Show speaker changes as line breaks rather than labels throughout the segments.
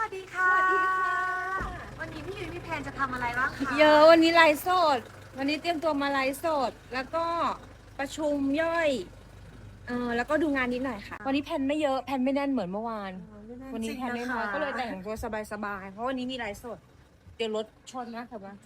วัสดีค่ะวันนี้พี่ยุ้ยมีแผนจะทำอะไรบ้างคะ
เยอะวันนี้ไลฟ์สดวันนี้เตรียมตัวมาไลฟ์สดแล้วก็ประชุมย่อยแล้วก็ดูงานนิดหน่อยค่ะวันนี้แผนไม่เยอะแผนไม่แน่นเหมือนเมื่อวานวันนี้แผนน้อยๆก็เลยแต่งตัวสบายๆเพราะวันนี้มีไลฟ์สดเดี๋ยวรถชนนะค่ะบ้าน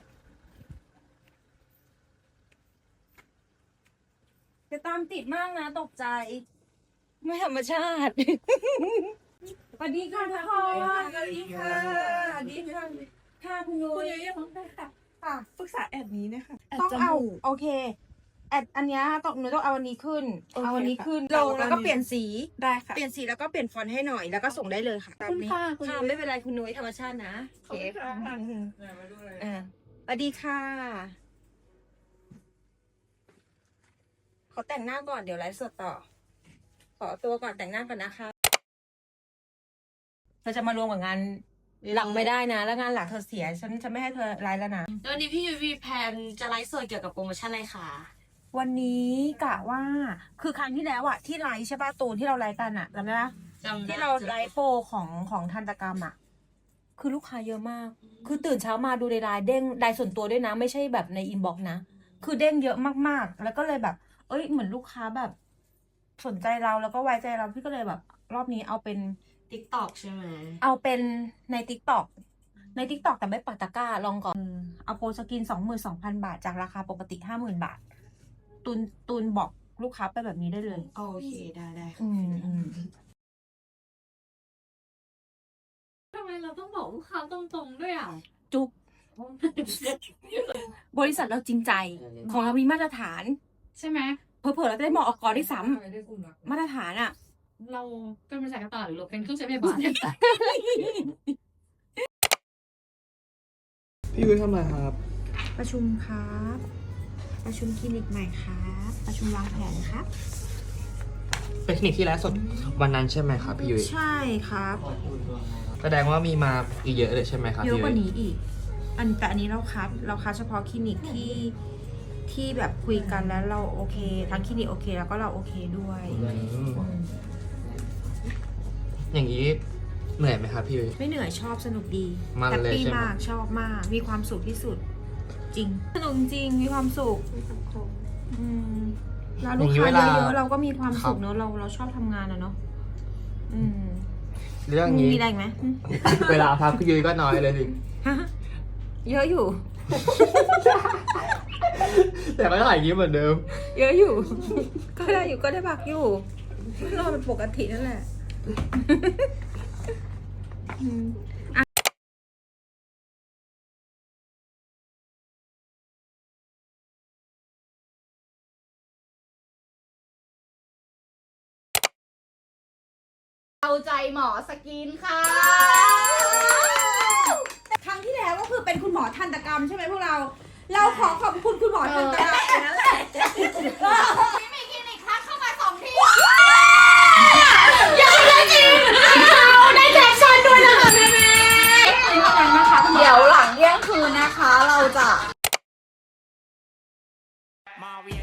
จะตามติดมากนะตกใจไม่ธรรมชาติสวัสดีค่ะทุกคนสวัสดีค่ะสวัสดีค่ะค่ะคุณยุ้ยค่ะ
ปรึกษาแอดนี้นะคะแอด
ต้อง
จ
เอา
มูก
โอเคแอดอันเนี้ยหนูต้องเอาอันนี้ขึ้น
โอเค
เอาอันนี้ขึ้น
ค่ะ
ลงแล้วก็เปลี่ยนสี
ได้ค่ะ
เปลี่ยนสีแล้วก็เปลี่ยนฟอนต์ให้หน่อยแล้วก็ส่งได้เลยค่ะ
ขอบคุณค่ะคุณ
ค่ะ
ยุ้ย
ไม่เป็นไรคุณนุ้ยธรรมชาตินะ
ขอบคุณค่ะ
สวัสดีค่ะขอแต่งหน้าก่อนเดี๋ยวไลฟ์สดต่อ ขอตัวก่อนแต่งหน้าก่อนนะคะเธอจะมารวมกับงานหลักไม่ได้นะ แล้วงานหลักเธอเสียฉันจะไม่ให้เธอไลฟ์แล้วนะ
แล้ววันนี้พี่ยุ้ยมีแผนจะไลฟ์สดเกี่ยวกับโปรโมชั่นอะไรคะ
วันนี้กะว่าคือครั้งที่แล้วอะที่ไลฟ์ใช่ป่ะตูนที่เราไลฟ์กันอะจำได้ปะ
จำได้
ที่เราไลฟ์โปรของทันตกรรมอะคือลูกค้าเยอะมาก คือตื่นเช้ามาดูในไลน์เด้งไลน์ส่วนตัวด้วยนะ ไม่ใช่แบบในอินบ็อกซ์นะ คือเด้งเยอะมากๆ แล้วก็เลยแบบ เอ้ยเหมือนลูกค้าแบบ สนใจเราแล้วก็ไว้ใจเราพี่ก็เลยแบบ รอบนี้เอาเป็น
ติ๊กต็อกใช่ไหม
เอาเป็นใน TikTok ใน TikTok แต่ไม่ปักตะกร้าลองก่อนเอาโปรสกิน 22,000 บาทจากราคาปกติ 50,000 บาท ตูนบอกลูกค้าไปแบบนี้ได้เลย
โอเคได้ค่ะ
อืม
ทำไมเราต้องบอกลูกค้าตรงๆด้วยอ่ะ
จุ๊บบริษัทเราจริงใจ ของเรามีมาตรฐาน
ใช่ไหม
เผลอๆเราจะได้บอกออกด้วยซ้ำมาตรฐานอ่ะ
เราเป็นบริษัทกระต่ายหรือเราเป็นเครื่องใช้ไฟฟ้า
พี่ยุ้ยทำอะไรครับ
ประชุมครับ ประชุมคลินิกใหม่ครับ ประชุมวางแผนครับ
เป็นคลินิกที่ไลฟ์สดวันนั้นใช่ไหมครับพี่ยุ้ย
ใช่ครับ
แสดงว่ามีมาอีกเยอะเลยใช่ไหมครับ
เยอะ
พี่
ก
ยุ้
ว่าย นี้อีก แต่อันนี้เราคัดเฉพาะคลินิกที่แบบคุยกันแล้วเราโอเค ทั้งคลินิกโอเค แล้วก็เราโอเคด้วย
อย่างนี้เหนื่อยไหมครับพี่ยุ้ย
ไม่เหนื่อยชอบสนุกดี
มัน
แฮป
เลย
ปี้
ใช่ไหม
มากชอบมาก มีความสุขที่สุด จริง สนุกจริงมีความสุขอืมแล้วลูกค้าเยอะๆเราก็มีความสุขเนอะเราชอบทำงานอะเนาะอืม
เรื่องนี้
มีอะไรอีกไหม
เวลาพักพี่ยุ้ยก็น้อยเลยดิ
ฮะเยอะอยู่
แต่ก็ถ่ายยิ้มเหมือนเดิม
เยอะอยู่ ก็ได้อยู่ก็ได้พักอยู่รอเป็นปกตินั่นแหละอืม
เอาใจหมอสกินค่ะ
ครั้งที่แล้วก็คือเป็นคุณหมอทันตกรรมใช่ไหมพวกเรา เราขอขอบคุณคุณหมอทันตกรรมนั่นแหละ
พี่มีคลินิกทักเข้ามา2 ที่ยังไม่จริงเราได้แคปชั่นด้วยนะคะแม่เดี๋ยวหลังเที่ยงคืนนะคะ เราจะ
มาเวีย